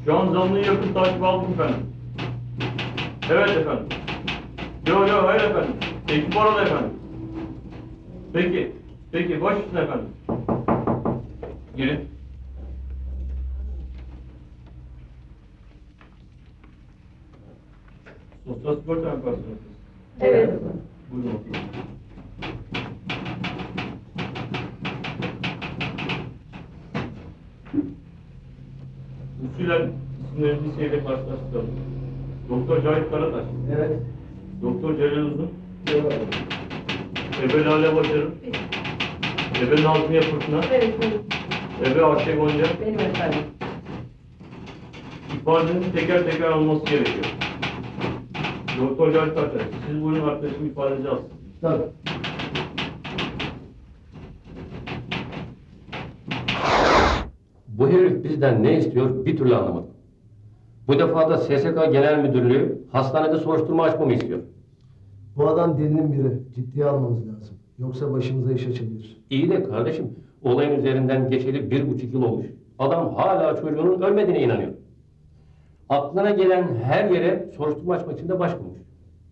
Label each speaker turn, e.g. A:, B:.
A: Şu an zanlıyı yakın takip aldım efendim. Evet efendim. Yok hayır efendim. Ekip orada efendim. Peki baş üstüne efendim. Girin. Sosyal sigorta mı yaparsınız?
B: Evet.
A: Buyurun oturun. Usulen isimlerinizi listeyle karşılaştıralım. Doktor Cahit Karataş.
C: Evet.
A: Doktor Celal Uzun.
C: Evet.
A: Ebe Lale Başarı. Ebe Nazmiye Fırtına.
B: Evet, benim.
A: Ebe Ayşe Gonca.
B: Benim efendim.
A: İfadenin teker teker alınması gerekiyor. Doktor Cahit Karataş, siz buyurun arkadaşım ifadenizi alsın.
C: Tabii.
D: Bu herif bizden ne istiyor bir türlü anlamadım. Bu defa da SSK Genel Müdürlüğü hastanede soruşturma açmamı istiyor.
C: Bu adam delinin biri. Ciddiye almamız lazım. Yoksa başımıza iş açabilir.
D: İyi de kardeşim, olayın üzerinden geçeli 1,5 yıl olmuş. Adam hala çocuğunun ölmediğine inanıyor. Aklına gelen her yere soruşturma açmak için de başvurmuş.